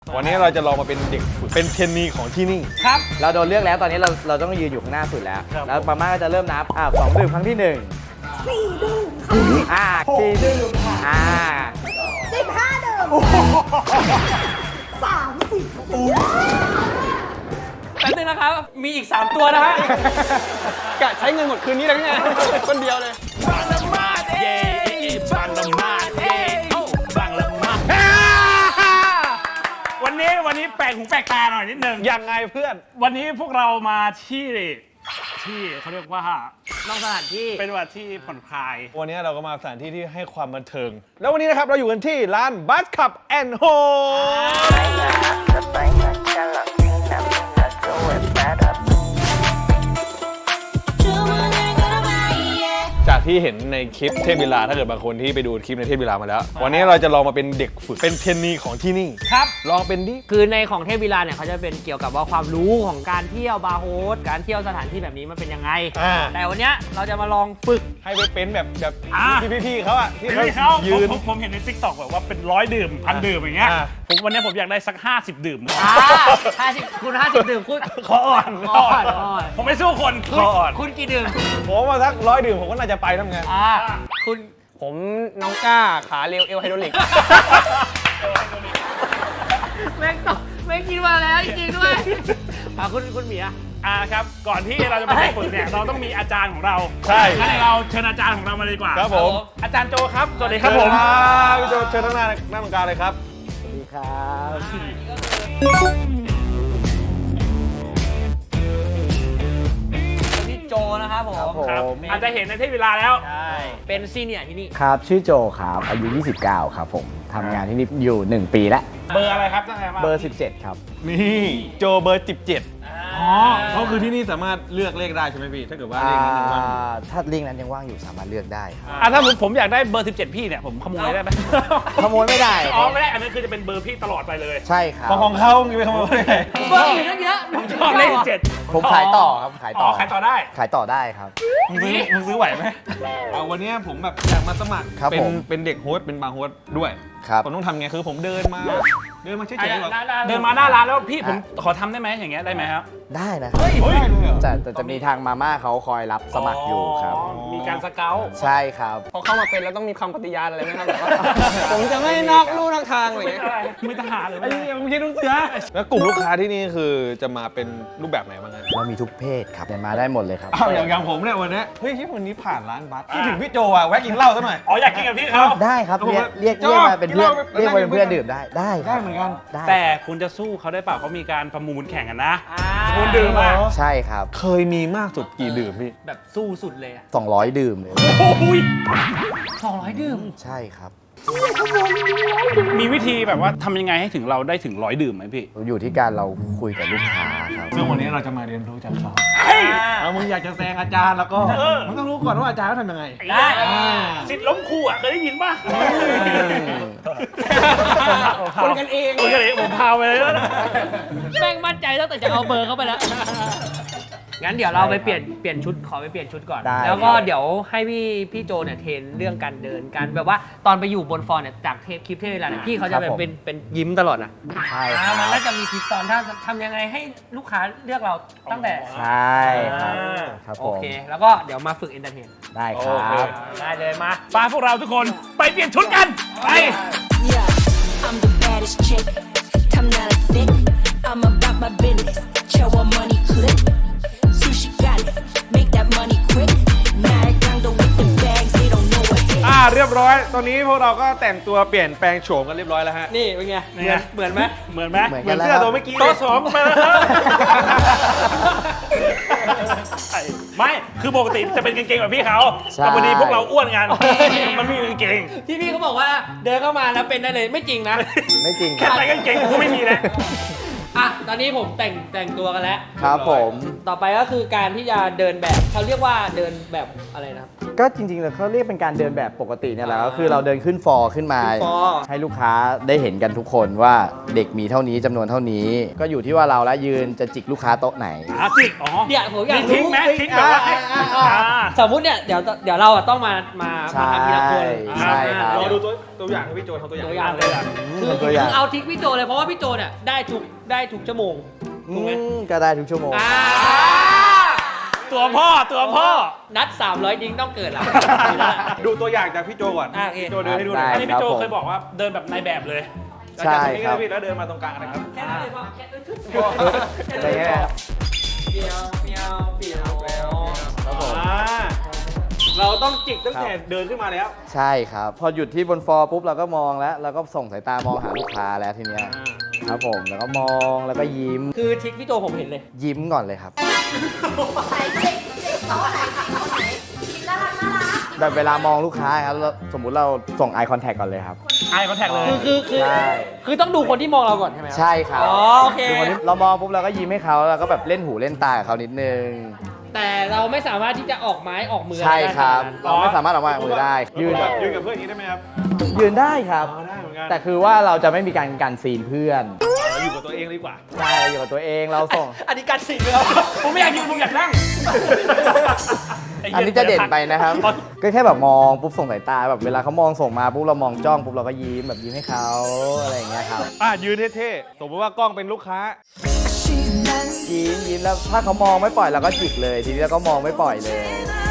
วันนี้เราจะลองมาเป็นเด็กฝึกเป็นเทรนนีของที่นี่ครับเราโดนเลือกแล้วตอนนี้เราต้องยืนอยู่ข้างหน้าสุดแล้ว แล้วมาม่าก็จะเริ่มนับ2 ดื่มครั้งที่1 4 ดื่มค่ะ 4 ดื่มค่ะ 15 ดื่ม30 แป๊บนึงนะครับ มีอีก 3 ตัวนะฮะกะใช้เงินหมดคืนนี้แล้วไงคนเดียวเลยบังละมาดเย่บังละมาดเย่บังละมาดวันนี้แปลกหูแปลกตาหน่อยนิดนึงยังไงเพื่อนวันนี้พวกเรามาที่เขาเรียกว่านอกสถานที่เป็นวันที่ผ่อนคลายวันนี้เราก็มาสถานที่ที่ให้ความบันเทิง แล้ววันนี้นะครับเราอยู่กันที่ร้านบัสคับแอนด์โฮจากที่เห็นในคลิปเทพวิลาถ้าเกิดบางคนที่ไปดูคลิปในเทพวิลามาแล้ว วันนี้เราจะลองมาเป็นเด็กฝึกเป็นเทรนนีของที่นี่ครับลองเป็นดิคือในของเทพวิลาเนี่ยเขาจะเป็นเกี่ยวกับว่าความรู้ของการเที่ยวบาร์โฮสการเที่ยวสถานที่แบบนี้มันเป็นยังไง แต่วันเนี้ยเราจะมาลองฝึกให้ไปเป็นแบบอ่าพี่ๆเขาอะที่ที่เขาเขายืนผมเห็นใน TikTok แบบว่าเป็น100 ดื่มพันดื่มอย่างเงี้ยอ่าวันนี้ผมอยากได้สัก50 ดื่ม 50 ดื่มคุณขออ่อน ผมไม่สู้คนคออ่อนคุณกี่ดื่มผมมาสัก100 ดื่มผมก็น่าจะไปทำไงคุณผมน้องก้าขาเร็วเอวไฮโดรลิกแม่งตอบไม่คิดว่าแล้วจริงๆด้วยคุณหมีอะครับก่อนที่เราจะไปฝึกเนี่ยเราต้องมีอาจารย์ของเราใช่งั้นเราเชิญอาจารย์ของเรามาเลยดีกว่าครับผมอาจารย์โจครับสวัสดีครับผมพี่โจเชิญทั้งหน้าตรงกลางเลยครับสวัสดีครับพี่โจนะครับผมครับอาจจะเห็นในเทพเวลาแล้วใช่เป็นซีเนียร์ที่นี่ครับชื่อโจครับอายุ 29 ครับผมทำงานที่นี่อยู่ 1 ปีแล้วเบอร์อะไรครับตั้งแต่มาเบอร์ 17 ครับนี่โจเบอร์17เขาคือที่นี่สามารถเลือกเลขได้ใช่ไหมพี่ ถ้าเกิดว่าเลขนั้นว่างถ้าลิงก์นั้นยังว่างอยู่สามารถเลือกได้ครับถ้าผมอยากได้เบอร์ 17 พี่เนี่ยผมขโมยได้ไหมขโมยไม่ได้อ๋อไม่ได้อันนั้นคือจะเป็นเบอร์พี่ตลอดไปเลยใช่ครับของเขามีไปขโมยได้ไงเบอร์อื่นตั้งเยอะผมชอบเลข17 ผมขายต่อครับขายต่อขายต่อได้ขายต่อได้ครับมึงซื้อไหวไหมวันนี้ผมแบบอยากมาสมัครครับผมเป็นเด็กโฮสต์เป็นบาร์โฮสต์ด้วยครับผมต้องทำไงคือผมเดินมาเฉยๆแบบเดินมาหน้าร้านแล้วพี่ผมขอทำได้ไหมอย่างเงี้ยได้ไหมครับได้นะครับเฮ้ยได้เลยเหรอแต่จะมีทางมาม่าเขาคอยรับสมัครอยู่ครับมีการสเกลใช่ครับพอเข้ามาเป็นแล้วต้องมีคำปฏิญาณอะไรไหมครับแบบว่า ผมจะไม่นอกลู่นอกทางอะไรอย่างเงี้ยไม่ทหารหรือไอ้ไม่เนี่ยมึงคิดดูสิฮะแล้วกลุ่มลูกค้าที่นี่คือจะมาเป็นรูปแบบไหนบ้างฮะเรามีทุกเพศครับเดินมาได้หมดเลยครับอ้าวอย่างผมเนี่ยวันนี้เฮ้ยที่วันนี้ผ่านร้านบัสที่ถึงพี่โจอ่ะแวะกินเหล้าซะหน่อยอ๋ออยากกินกับพี่เขาได้ครับเรียกมาเป็นเพื่อนเรียกมาเป็นเพื่อนดื่มได้ได้ครับได้เหมือนกันได้แต่คุณจะสู้เขาได้เปล่าเขามีการประมูลแข่งกันนะคุณดื่มอ่ะใช่ครับเคยมีมากสุดกี่ดื่มพี่แบบสู้สุดเลยอะ 200 ดื่มเลยโอ้ย 200 ดื่มใช่ครับมีวิธีแบบว่าทำยังไงให้ถึงเราได้ถึง100 ดื่มไหมพี่อยู่ที่การเราคุยกับลูกค้าครับซึ่งวันนี้เราจะมาเรียนรู้จากเขาเฮ้ยมึงอยากจะแซงอาจารย์แล้วก็มึงต้องรู้ก่อนว่าอาจารย์เขาทำยังไงได้อ่าสิทธิ์ล้มครูอ่ะเคยได้ยินป่ะคนกันเองคนกันเองผมพาไปเลยแล้วนะแม่งมั่นใจตั้งแต่จะเอาเบอร์เข้าไปแล้ว งั้นเดี๋ยวเราไปเปลี่ยนชุดขอไปเปลี่ยนชุดก่อนได้แล้วก็เดี๋ยวให้พี่โจเนี่ยเทรนเรื่องการเดินการแบบว่าตอนไปอยู่บนฟอร์เนี่ยจากคลิปเทปเวลาเนี่ยพี่เขาจะแบบเป็นยิ้มตลอดนะใช่ครับมันน่าจะมีคลิปตอนถ้าทำยังไงให้ลูกค้าเลือกเราตั้งแต่ใช่ครับครับผโอมเค แล้วก็เดี๋ยวมาฝึกเอนเตอร์เทนได้ครับได้เลยมาปาพวกเราทุกคนไปเปลี่ยนชุดกัน ไป Yeah, I'm the baddest chick. I'm not a thick. I'm about my business. Show her money clip. Sushi got it. Make that money quick. Marijuana with the bags. They don't know what hit. เรียบร้อย ตอนนี้พวกเราก็แต่งตัวเปลี่ยนแปลงโฉมกันเรียบร้อยแล้วฮะนี่เป็นไง เหมือนไหมเหมือนไหมเหมือนเหมืกัอน นแล้วเสื้อครับตัวเมื่อกี้โต๊ะสองไปแล้วครับไม่ คือปกติจะเป็นกางเกงแบบพี่เขาใช่แต่วันนี้พวกเราอ้วนกัน มันไม่มีกางเกงที่พี่เขาบอกว่าเดินเข้ามาแล้วเป็นได้เลยไม่จริงนะไม่จริงคแค่รับใส่กางเกงกูไม่มีนะอ่ะ ตอนนี้ผมแต่งตัวกันแล้วครับผมต่อไปก็คือการที่จะเดินแบบเขาเรียกว่าเดินแบบอะไรนะครับก็จริงๆแล้วเขาเรียกเป็นการเดินแบบปกติเนี่ยแหละก็คือเราเดินขึ้นฟอร์ขึ้นมาขึ้นฟอร์ให้ลูกค้าได้เห็นกันทุกคนว่าเด็กมีเท่านี้จำนวนเท่านี้ ก็อยู่ที่ว่าเราละยืนจะจิกลูกค้าโต๊ะไหนจิกอ๋อเนี่ยผมอยากมีทิ้งรู้ไหมทิ้งแบบว่าให้าสมมุติเนี่ยเดี๋ยวเราอะต้องมาใช่ทำทีละคนใช่ครับรอดูตัวอย่างให้พี่โจทำตัวอย่างตัวอย่างเลยอะคือตัวอย่างเอาทริกพี่โจเลยเพราะว่าพี่โจเนี่ยได้ทุกชั่วโมงถูกไหมก็ได้ทุกชั่วโมงตัวพ่อนัด 300 ดิ้งต้องเกิดละดูตัวอย่างจากพี่โจก่อนโอเคพี่โจเดินให้ดูหน่อยอันนี้พี่โจเคยบอกว่าเดินแบบในแบบเลยใช่ครับพี่แล้วเดินมาตรงกลางนะครับแค่นั้นเลยพ่อแค่นั้นอะไรเงี้ยเปียวเปียวเปียวเปียวครับผมเราต้องจิกตั้งแต่เดินขึ้นมาแล้วใช่ครับ พอหยุดที่บนฟอร์ปุ๊บเราก็มองแล้วเราก็ส่งสายตามองหาลูกค้าแล้วทีเนี้ยครับผมแล้วก็มองแล้วก็ยิ้มคือทริกพี่โจผมเห็นเลยยิ้มก่อนเลยครับ แบบเวลามองลูกค้าครับแล้วสมมุติเราส่ง eye contact ก่อนเลยครับไอคอนแทคเลยใช่คือต้องดูคนที่มองเราก่อนใช่ไหมครับใช่ครับอ๋อโอเคคือคนที่เรามองปุ๊บเราก็ยิ้มให้เขาแล้วก็แบบเล่นหูเล่นตากับเขานิดนึงแต่เราไม่สามารถที่จะออกไม้ออกมือใช่ครับได้ขนาดนั้นเราไม่สามารถออกมามือได้ ยืนยืนกับเพื่อนอย่างนี้ได้ไหมครับยืนได้ครับได้เหมือนกันแต่คือว่าเราจะไม่มีการกันซีนเพื่อนอยู่กับตัวเองดีกว่าใช่อยู่กับตัวเองเราส่งอันนี้การสิ่งเลยครับผมไม่อยากยืนผมอยากนั่งอันนี้จะเด่นไปนะครับ ก็แค่แบบมองปุ๊บส่งสายตาแบบเวลาเขามองส่งมาปุ๊บเรามองจ้องปุ๊บเราก็ยิ้มแบบยิ้มให้เขาอะไรอย่างเงี้ยครับยืนเท่ๆ สมมติว่ากล้องเป็นลูกค้ายิ้มแล้วถ้าเขามองไม่ปล่อยเราก็จิกเลย ทีนี้เราก็มองไม่ปล่อยเลย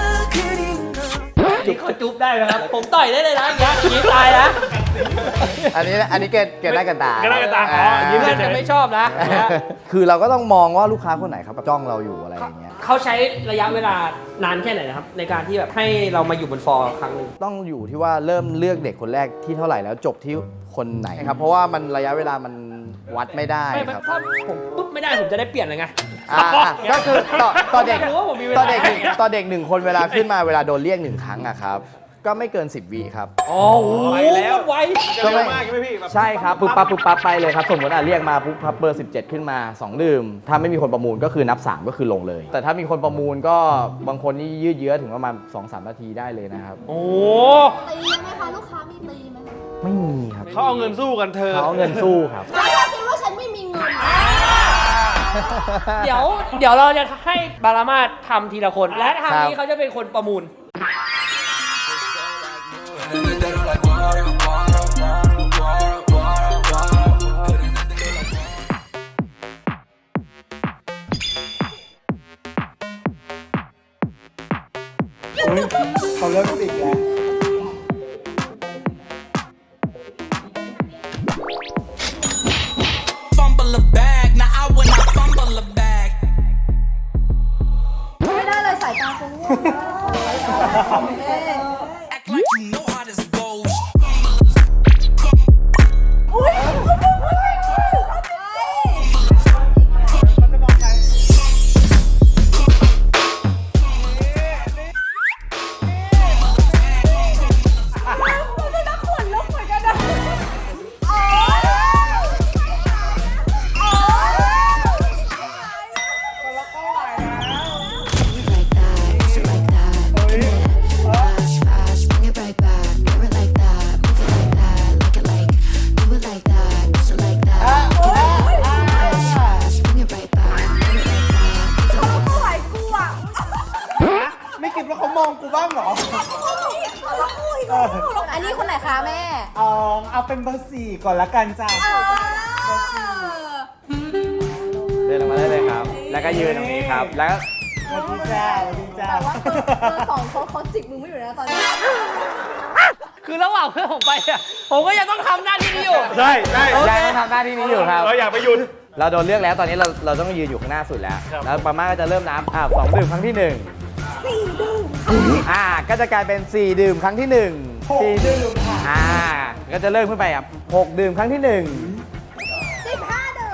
จุ๊บเขาจุ๊บได้ไหมครับ ผมต่อยได้เลยนะอย่างเงี้ยอย่างนี้ตายนะอันนี้เกิดหน้ากันตาเกินหน้าเกินตาอ๋อยิ้มเพื่อนจะไม่ชอบนะคือเราก็ต้องมองว่าลูกค้าคนไหนเขาจ้องเราอยู่อะไรอย่างเงี้ยเขาใช้ระยะเวลานานแค่ไหนนะครับ ในการที่แบบให้เรามาอยู่บนฟอร์ครั้งหนึ่งต้องอยู่ที่ว่าเริ่มเลือกเด็กคนแรกที่เท่าไหร่แล้วจบที่คนไหนครับ เพราะว่ามันระยะเวลามันวัดไม่ได้ไม่ครับถ้าผมปุ๊บไม่ได้ผมจะได้เปลี่ยนเลยไงก็คือต่อเด็กอยากรู้ว่าผมมีเวลาต่อเด็กหนึ่งคนเวลาขึ้นมาเวลาโดนเรียก1 ครั้งอะครับ ก็ไม่เกิน 10 วิครับอ๋อโหไปแล้วไวจะเร็วมากใช่ไหมพี่แบบใช่ครับปุ๊บปั๊บไปเลยครับ สมมติเรียกมาปุ๊บพับเบอร์ 17 ขึ้นมา 2 ดื่ม ถ้าไม่มีคนประมูลก็คือนับ 3 ก็คือลงเลย แต่ถ้ามีคนประมูลก็บางคนนี่ยืดเยื้อถึงประมาณ 2-3 นาทีได้เลยนะครับโอ้ตีไหมคะลูกค้ามีตีไหมคะไม่มีครับเขาเอาเงินสู้กันเธอเขาเอาเงินสู้ครับแล้วถ้าคิดว่าฉันไม่มีเงินเดี๋ยวเราจะให้บารามาทำทีละคน และทางนี้เขาจะเป็นคนประมูลเขาเริ่มติดแล้ว fumble a bag now I wanna fumble a bag ไม่ได้เลยสายตาคงง่วงมาก act like you know how this goes อุ้ย like that, push it like that. Fast, fast, bring it right back. Do it like that, move it like that, like it like, do it like that, push it like that. Fast, fast, bring it right back. Do it like that, move it like that. ไม่คิดว่าเขามองกูบ้างเหรออันนี้คนไหนคะแม่เอาเป็นเบอร์ 4 ก่อนละกันจ้ะเดินลงมาได้เลยครับ แล้วก็ยืนตรงนี้ครับ แล้วก็สวัสดีจ้าสวัสดีจ้าแต่ว่าเบอร์สองเขาจิกมือไม่อยู่นะตอนนี้คือระหว่างเพื่อนผมไปอะผมก็ยังต้องทำหน้าที่นี้อยู่ใช่ใช่ยังทำหน้าที่นี้อยู่ครับเราอยากไปหยุดเราโดนเลือกแล้วตอนนี้เราต้องยืนอยู่ข้างหน้าสุดแล้ว แล้วปาม่าก็จะเริ่มนับ2 ดื่มครั้งที่ 1 4 ดื่มก็จะกลายเป็น 4 ดื่มครั้งที่ 1 4 ดื่มค่ะก็จะเริ่มขึ้นไปครับ6 ดื่มครั้งที่ 1 15 เดิม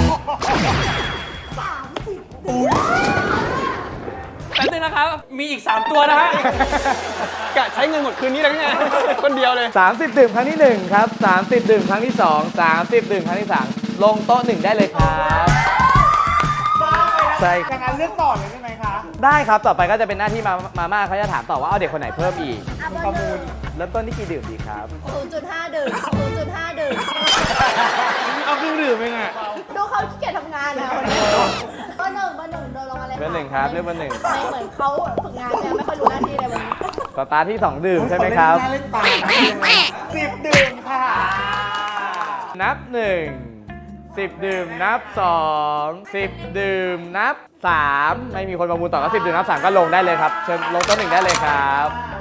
แป๊บนึงนะครับ มีอีก 3 ตัวนะฮะกะใช้เงินหมดคืนนี้เลยไง คนเดียวเลย 30 ดื่มครั้งที่ 1 ครับ 30 ดื่มครั้งที่ 2 30 ดื่มครั้งที่ 3 ลงโต๊ะ 1 ได้เลยครับ ใช่อย่างนั้นเลือกต่อเลยได้ไหมคะได้ครับ ต่อไปก็จะเป็นหน้าที่มาม่าเขาจะถามต่อว่าเอาเด็กคนไหนเพิ่มอีกอ่ะคุณประมูลเริ่มต้นที่กี่ดื่มดีครับ 0.5 ดื่ม 0.5 ดื่มเอาเครื่องดื่มเองอ่ะดูเขาขี้เกียจทำงานนะวันนี้เบอร์หนึ่งเดินลงมาเลยเบอร์หนึ่งครับเลือกเบอร์หนึ่งครับเหมือนเขาฝึกงานเนี่ยไม่ค่อยรู้หน้าที่เลยวันนี้สตาร์ทที่ 2 ดื่มใช่ไหมครับเล่นปาก10 ดื่มค่ะนับ 1 10 ดื่มนับ 2 10 ดื่มนับ 3 ไม่มีคนประมูลต่อก็10 ดื่มนับ 3 ก็ลงได้เลยครับ เชิญลงโต๊ะ1ได้เลยครับ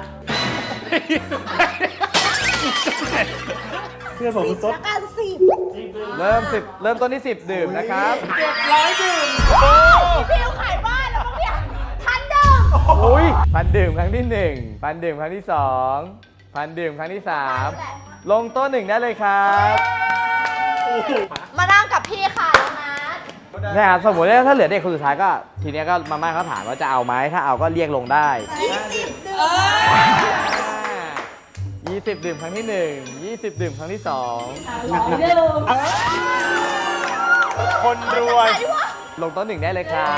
เพื่อนผมซดแล้วกันสิบเริ่มต้นที่ 10 ดื่มนะครับ 700 ดื่มพี่ขายบ้านแล้วมั้งเนี่ยทันดื่มอุ้ยพันดื่มครั้งที่1พันดื่มครั้งที่2พันดื่มครั้งที่3ลงโต๊ะ1ได้เลยครับมานั่งกับพี่ค่ะน้องนัทนะครับสมมติว่าถ้าเหลือเด็กคนสุดท้ายก็ทีเนี้ยก็มาม่าเขาถามว่าจะเอาไหมถ้าเอาก็เรียกลงได้ 20 ดื่มครั้งที่1 20 ดื่มครั้งที่2คนรวยลงโต๊ะ1ได้เลยครับ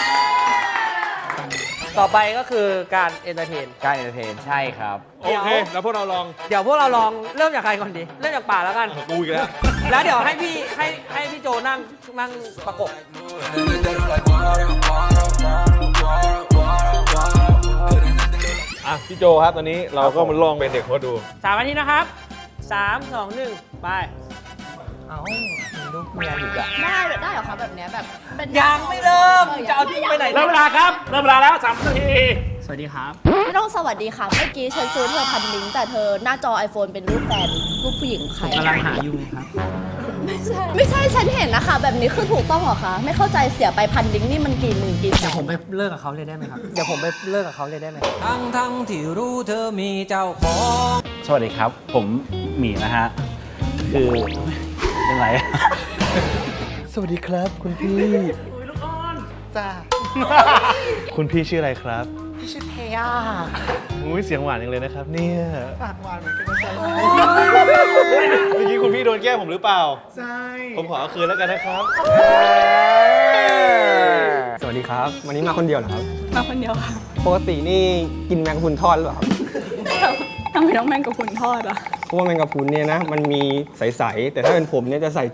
ต่อไปก็คือการเอนเตอร์เทนการเอนเตอร์เทนใช่ครับโอเค แล้วพวกเราลองเดี๋ยวพวกเราลองเริ่มจากใครก่อนดี เริ่มจากป่าแล้วกันกูอีกแล้วแล้วเดี๋ยวให้พี่โจนั่งประกบอ่ะ พี่โจครับ ตอนนี้เราก็มาลองเป็นเด็กโค้ดดู 3 นาทีนะครับ 3 2 1 ไป เอาลูกเมียอยู่อะได้เหรอคะแบบเนี้ยแบบเป็นยังไม่เริ่ม จะเอาทิ้งไปไหนเริ่มเวลาครับ เริ่มเวลาแล้ว3 นาทีสวัสดีครับไม่ต้องสวัสดีค่ะ เมื่อกี้ฉันซื้อเธอ1,000 ลิงก์แต่เธอหน้าจอ iPhone เป็นรูปแฟนรูปผู้หญิงใครกำลังหาอยู่ครับไม่ใช่ฉันเห็นนะคะแบบนี้คือถูกต้องเหรอคะไม่เข้าใจเสียไป1,000 ลิงก์นี่มันกี่หมื่นกี่แสเดี๋ยวน ผมไปเลิกกับเขาเลยได้ไหมครับ เดี๋ยวผมไปเลิกกับเขาเลยได้ไหมทั้งที่รู้เธอมีเจ้าของสวัสดีครับ ผมหมีนะฮะ คือเป็นไรสวัสดีครับ คุณพี่จ้าคุณพี่ชื่ออะไรครับพี่ชื่อเทย่าอุ้ยเสียงหวานจังเลยนะครับเนี่ยปากหวานเหมือนกันนะจ๊ะเมื่อกี้คุณพี่โดนแกล้งผมหรือเปล่าใช่ผมขอเอาคืนแล้วกันนะครับสวัสดีครับ วันนี้มาคนเดียวเหรอครับมาคนเดียวค่ะปกตินี่กินแมงกะพรุนทอดหรือเปล่าครับทำไมต้องแมงกะพรุนทอดอ่ะเพราะว่าแมงกะพรุนเนี่ยนะ มันมีใสๆ แต่ถ้าเป็นผมเนี่ยจะใส่ใจ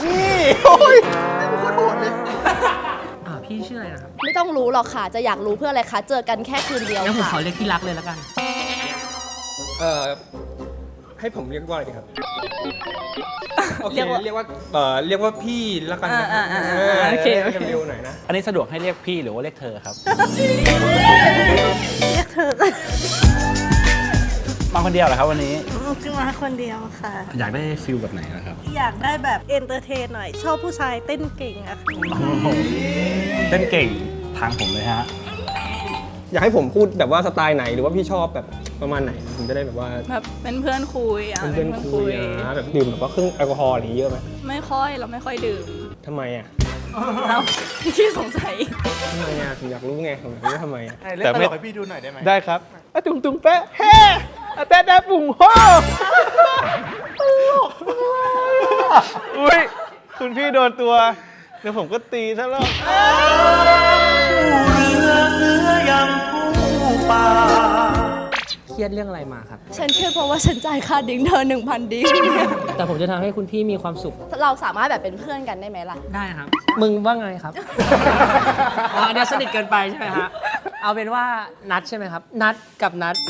พี่ชื่ออะไรนะครับไม่ต้องรู้หรอกค่ะ จะอยากรู้เพื่ออะไรคะ เจอกันแค่คืนเดียวงั้นผมค่ะขอเรียกที่รักเลยแล้วกันให้ผมเรียกว่าอะไรดีครับ โอเคเรียกว่าเรียกว่าพี่แล้วกันนะโอเคโอเคเร็วๆหน่อยนะอันนี้สะดวกให้เรียกพี่หรือว่าเรียกเธอครับเรียกเธอมาคนเดียวเหรอครับวันนี้ขึ้นมาคนเดียวค่ะอยากได้ฟิลแบบไหนนะครับอยากได้แบบเอนเตอร์เทนหน่อย ชอบผู้ชายเต้นเก่งอะค่ะเต้นเก่งทางผมเลยฮะอยากให้ผมพูดแบบว่าสไตล์ไหนหรือว่าพี่ชอบแบบประมาณไหนผมจะได้แบบว่าแบบเป็นเพื่อนคุยอะเป็นเพื่อนคุยแบบดื่มแบบว่าเครื่องแอลกอฮอล์อะไรอย่างงี้เยอะไหมไม่ค่อยเราไม่ค่อยดื่มทำไมอ่ะเราที่สงสัยทำไมอ่ะผมอยากรู้ไงผมอยากรู้ว่าทำไมอ่ะเล่นตลกให้พี่ดูหน่อยได้ไหมได้ครับอะตุงตุงแปะเฮ้อะแปะแปะปุ่งโฮอุ้ย คุณพี่โดนตัว เดี๋ยวผมก็ตีซะแล้วเครียดเรื่องอะไรมาครับฉันเครียดเพราะว่าฉันจ่ายค่าดิ้งเธอ 1,000 ดิ้งแต่ผมจะทำให้คุณพี่มีความสุขเราสามารถแบบเป็นเพื่อนกันได้ไหมล่ะได้ครับ มึงว่าไงครับ อ๋อเดี๋ยวสนิทเกินไปใช่ไหมฮะ เอาเป็นว่านัดใช่ไหมครับ นัดกับนัด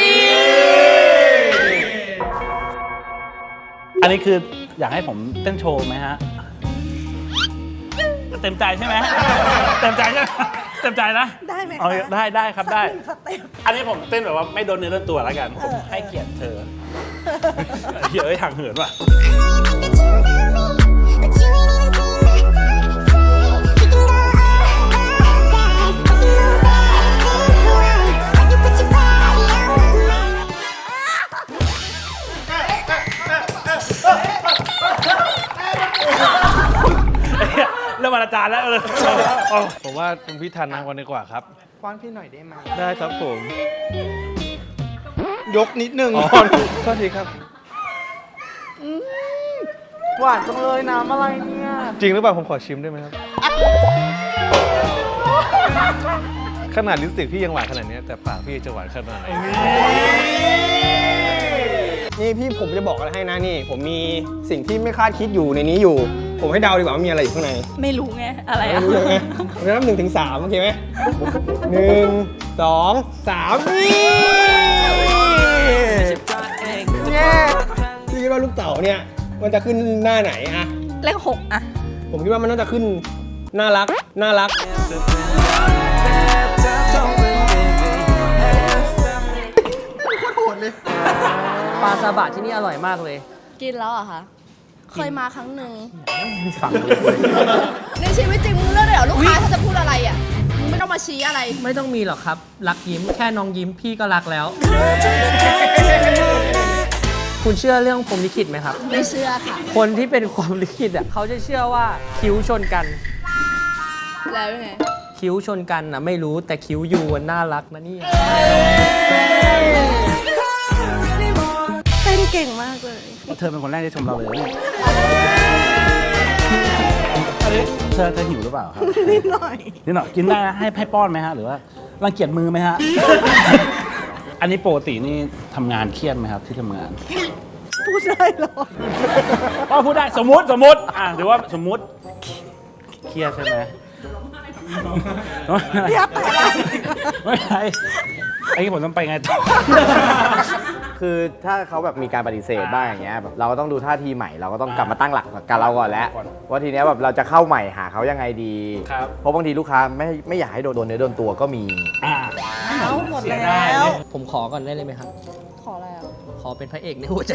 อันนี้คืออยากให้ผมเต้นโชว์ไหมฮะ เต็มใจใช่ไหม เต็มใจใช่ไหมเต็มใจนะได้ไหมคะเอาได้ครับได้สเต็ปอันนี้ผมเต้นแบบว่าไม่โดนเนื้อโดนตัวแล้วกัน ผมให้เกียรติเธอเฮ้ยทางเหินว่ะ เริ่มอนาจารแล้วเลยผมว่าคุณพี่ทันมากกว่าดีกว่าครับป้อนพี่หน่อยได้ไหมได้ครับผมยกนิดนึงอ๋อโทษทีครับหวานจังเลยน้ำอะไรเนี่ยจริงหรือเปล่าผมขอชิมได้ไหมครับขนาดลิปสติกพี่ยังหวานขนาดนี้แต่ปากพี่จะหวานขนาดไหนนี่พี่ผมจะบอกอะไรให้นะนี่ ผมมีสิ่งที่ไม่คาดคิดอยู่ในนี้อยู่ ผมให้เดาดีกว่าว่ามีอะไรอยู่ข้างในไม่รู้ไง อะไรไม่อ่ะรู้เลยไงผมจะนับ1 ถึง 3โอเคไหม1 2 3นี่พี่คิดว่าลูกเต๋าเนี่ยมันจะขึ้นหน้าไหนอะเลข 6 อ่ะผมคิดว่ามันน่าจะขึ้นน่ารักน่ารักปลาซาบะที่นี่อร่อยมากเลยกินแล้วเหรอะคะเคยมาครั้งหนึ่งฝั่งเลยในชีวิตจริงมึงเลือกได้เหรอลูกค้าถ้าจะพูดอะไรอ่ะมึงไม่ต้องมาชี้อะไรไม่ต้องมีหรอกครับ รักยิ้มแค่น้องยิ้มพี่ก็รักแล้ว คุณเชื่อเรื่องพรหมลิขิตไหมครับไม่เชื่อค่ะคนที่เป็นความลิขิตอ่ะเขาจะเชื่อว่าคิ้วชนกันแล้วยังไงคิ้วชนกันนะไม่รู้แต่คิ้วยูมันน่ารักนะเนี่ยเต้นเก่งมากเลยเธอเป็นคนแรกที่ชมเราเลยเนี่ยเธอหิวหรือเปล่าครับนิดหน่อยนิดหน่อยกินได้นะให้ป้อนไหมฮะหรือว่ารังเกียจมือไหมฮะ อันนี้ปกตินี่ทำงานเครียดไหมครับที่ทำงานพูดได้เหรอก็พูดได้สมมติหรือว่าสมมติเครียดใช่ไหมอยากไปอะไรไม่ใช่ไอ้ที่ผมต้องไปไงต่อคือถ้าเขาแบบมีการปฏิเสธบ้างอย่างเงี้ยแบบเราก็ต้องดูท่าทีใหม่เราก็ต้องกลับมาตั้งหลักกับเราก่อนแล้วว่าทีเนี้ยแบบเราจะเข้าใหม่หาเขายังไงดีครับเพราะบางทีลูกค้าไม่อยากให้โดนเนื้อโดนตัวก็มีเอาหมดแล้วผมขอก่อนได้เลยไหมครับขออะไรอ่ะขอเป็นพระเอกในหัวใจ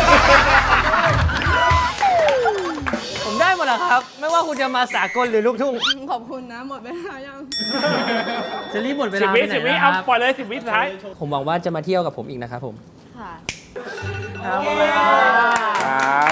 ผมได้หมดแล้วครับ ไม่ว่าคุณจะมาสากลหรือลูกทุ่งขอบคุณนะหมดเวลายังจะรีบหมดเว 10 ลาวิไปไหน 10 วินะคเอารับปล่อยเลย10 วิสุดท้ายผมหวังว่าจะมาเที่ยวกับผมอีกนะครับผมค่ะครับ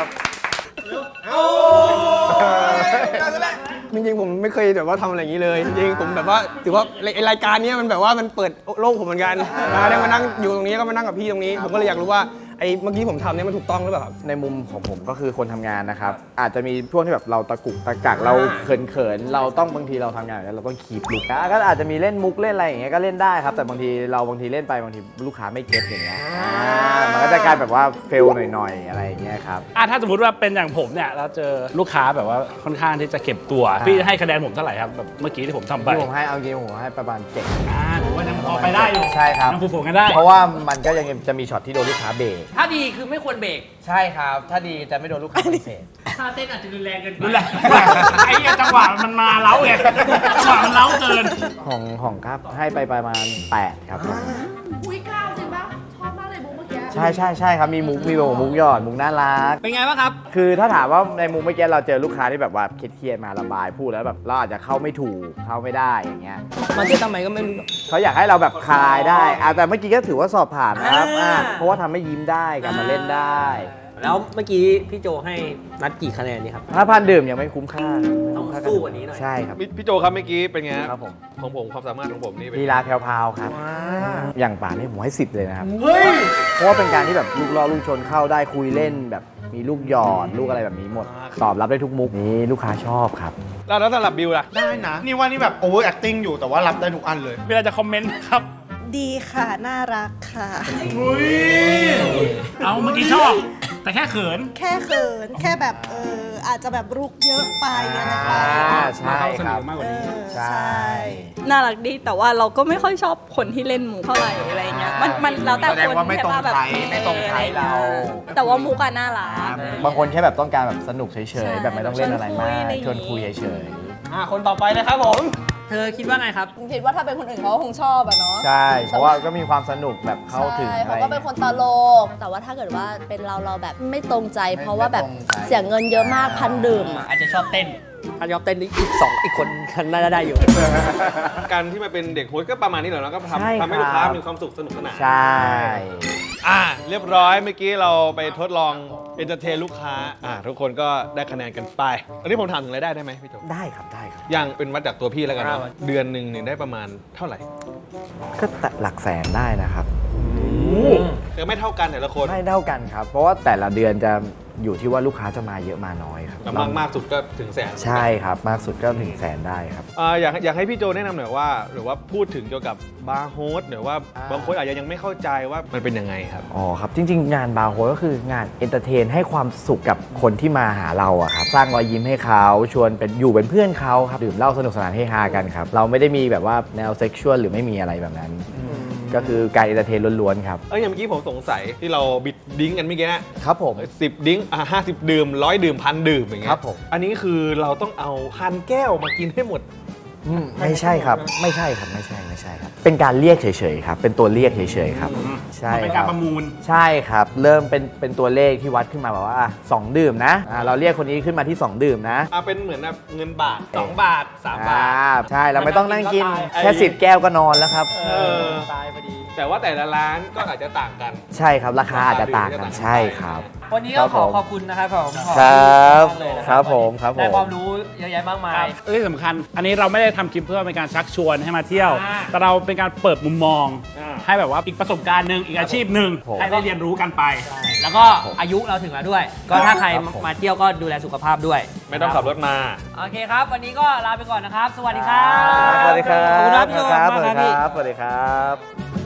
จริงๆผมไม่เคยแบบว่าทำอะไรอย่างนี้เลย จริงๆผมแบบว่าถือว่าไอ้รายการเนี้ยมันแบบว่ามันเปิดโลกผมเหมือนกันได้มานั่งอยู่ตรงนี้ก็มานั่งกับพี่ตรงนี้ ผมก็เลยอยากรู้ว่าไอ้เมื่อกี้ผมทำเนี่ยมันถูกต้องหรือเปล่าครับในมุมของผมก็คือคนทำงานนะครับอาจจะมีช่วงที่แบบเราตะกุกตะกักเราเขินๆเราต้องบางทีเราทำงานอย่างนี้ยเราต้องคีบลุกก็อาจจะมีเล่นมุกเล่นอะไรอย่างเงี้ยก็เล่นได้ครับแต่บางทีเล่นไปบางทีลูกค้าไม่เก็ตอย่างเงี้ยมันก็จะกลายแบบว่าเฟลหน่อยๆอะไรอย่างเงี้ยครับถ้าสมมติว่าเป็นอย่างผมเนี่ยเราเจอลูกค้าแบบว่าค่อนข้างที่จะเก็บตัว พี่จะให้คะแนนผมเท่าไหร่ครับแบบเมื่อกี้ที่ผมทำไปที่ผมให้เอาจริงผมให้ประมาณ7 หรือว่ายังพอไปได้อยู่ใช่ครับยังฟูๆกันได้เพราะว่ามันก็ยังจะมีช็อตที่โดนลูกค้าเบรกถ้าดีคือไม่ควรเบรกใช่ครับถ้าดีจะไม่โดนลูกค้าปฏิเสธถ้าเต้นอาจจะรุนแรงเกินไปนั่นแหละไอ้จังหวะมันมาเล้าไงจังหวะมันเล้าเกินของครับให้ไปประมาณ8ครับอุ้ยก้าวจริงปะชอบมากเลยบุ๊กเมื่อกี้ใช่ครับมีมุกมุกหยอดมุกน่ารักเป็นไงบ้างครับคือถ้าถามว่าในมุมเมื่อกี้เราเจอลูกค้าที่แบบว่าเครียดๆมาระบายพูดแล้วแบบเราอาจจะเข้าไม่ถูกเข้าไม่ได้อย่างเงี้ยมันจะทำไมก็ไม่รู้เขาอยากให้เราแบบคลายได้แต่เมื่อกี้ก็ถือว่าสอบผ่านนะครับเพราะว่าทำให้ยิ้มได้กลับมาเล่นได้แล้วเมื่อกี้พี่โจให้นัดกี่คะแนนนี่ครับถ้าพันดื่มยังไม่คุ้มค่าต้องสู้กว่านี้หน่อยใช่ครับพี่โจครับเมื่อกี้เป็นไงครับผมของผมความสามารถของผมนี่เป็นลีลาแพรวๆครับอย่างป่านนี่ผมให้10เลยนะครับเพราะว่าเป็นการที่แบบลูกล่อลูกชนเข้าได้คุยเล่นแบบมีลูกหยอดลูกอะไรแบบนี้หมดตอบรับได้ทุกมุกนี่ลูกค้าชอบครับแล้วสำหรับบิวล่ะได้นะ นี่ว่านี่แบบ over acting อยู่แต่ว่ารับได้ทุกอันเลยเวลาจะคอมเมนต์ครับดีค่ะ น่ารักค่ะเอาเมื่อกี้ชอบ แต่แค่เขินแค่เขิน แค่แบบอาจจะแบบรุกเยอะไปอะไรไปใช่ครับมากกว่านี้ใช่น่ารักดีแต่ว่าเราก็ไม่ค่อยชอบคนที่เล่นมุกเท่าไหร่อะไรเงี้ยมันแล้วแต่แสดงคนว่าไม่ตรงใช่ปะใจไม่ตรงใจเราแต่ว่ามุกอะน่ารักบางคนแค่แบบต้องการแบบสนุกเฉยๆแบบไม่ต้องเล่นอะไรมากชวนคุยเฉยคนต่อไปเลยครับผมเธอคิดว่าไงครับคิดว่าถ้าเป็นคนอื่นเขาคงชอบอะเนาะๆใช่เพราะว่าก็มีความสนุกแบบเข้าถึงใช่อะไรเขาก็เป็นคนตลก แต่ว่าถ้าเกิดว่าเป็นเราแบบไม่ตรงใจ เพราะว่าแบบไม่ตรงใจเสียเงินเยอะมากพันดื่มอะอาจจะชอบเต้น ถ้าชอบเต้นอีกคนน่าจะได้อยู่การที่มาเป็นเด็กโฮสต์ก็ประมาณนี้แหละแล้วก็ใช่ทำให้ครับลูกค้ามีความสุขสนุกสนานใช่เรียบร้อยเมื่อกี้เราไปทดลองเอนเตอร์เทนลูกค้าทุกคนก็ได้คะแนนกันไปอันนี้ผมถามถึงรายได้ได้ไหมพี่โจได้ครับได้ครับอย่างเป็นวัดจากตัวพี่แล้วกันนะเดือนหนึ่งเนี่ยได้ประมาณเท่าไหร่ก็หลักแสนได้นะครับแต่ไม่เท่ากันแต่ละคนไม่เท่ากันครับ เพราะว่าแต่ละเดือนจะอยู่ที่ว่าลูกค้าจะมาเยอะมาน้อยครับมากสุดก็ถึงแสนใช่ครับมากสุดก็ถึงแสนได้ครับอยากให้พี่โจแนะนำหน่อยว่าหรือว่าพูดถึงเกี่ยวกับบาร์โฮสหรือว่าบางคนอาจจะยังไม่เข้าใจว่ามันเป็นยังไงครับอ๋อครับจริงๆ งานบาร์โฮสก็คืองานเอนเตอร์เทนให้ความสุขกับคนที่มาหาเราอะครับสร้างรอยยิ้มให้เขาชวนเป็นอยู่เป็นเพื่อนเขาครับดื่มเหล้าสนุกสนานเฮฮากันครับเราไม่ได้มีแบบว่าแนวเซ็กชวลหรือไม่มีอะไรแบบนั้น ก็คือการเอนเตอร์เทนล้วนๆครับอย่างเมื่อกี้ผมสงสัยที่เราบิดดิ้งกันเมื่อกี้นะครับผม 10 ดิ้ง50 ดื่ม100 ดื่ม1,000 ดื่มอย่างเงี้ยครับผมอันนี้คือเราต้องเอา1,000 แก้วมากินให้หมดไม่ใช่ครับไม่ใช่ครับเป็นการเรียกเฉยๆครับเป็นตัวเรียกเฉยๆครับใช่มันเป็นการประมูลใช่ครับเริ่มเป็นตัวเลขที่วัดขึ้นมาแบบว่า2 ดื่มนะเราเรียกคนนี้ขึ้นมาที่2 ดื่มนะเป็นเหมือนแบบเงินบาท2 บาท3 บาทใช่เราไม่ต้องนั่งกินก็ตายแค่10 แก้วก็นอนแล้วครับตายพอดีแต่ว่าแต่ละร้านก็อาจจะต่างกันใช่ครับราคาอาจจะต่างกันใช่ครับวันนี้ก็ขอขอบคุณนะครับผมครับขอณมากเลยนะครับผมครับผมได้ความรู้เยอะแยะมากมายที่สำคัญ อันนี้เราไม่ได้ทำคลิปเพื่อเป็นการชักชวนให้มาเที่ยว แต่เราเป็นการเปิดมุมมอง ให้แบบว่าอีกประสบการณ์หนึ่งอีกอาชีพหนึ่งให้ได้เรียนรู้กันไปแล้วก็อายุเราถึงแล้วด้วย ก็ถ้าใครมาเที่ยวก็ดูแลสุขภาพด้วยไม่ต้องขับรถมาโอเคครับ วันนี้ก็ลาไปก่อนนะครับ สวัสดีครับสวัสดีครับขอบคุณครับพี่โจครับมากสวัสคดีรับพี่ครับสวัสดีครับ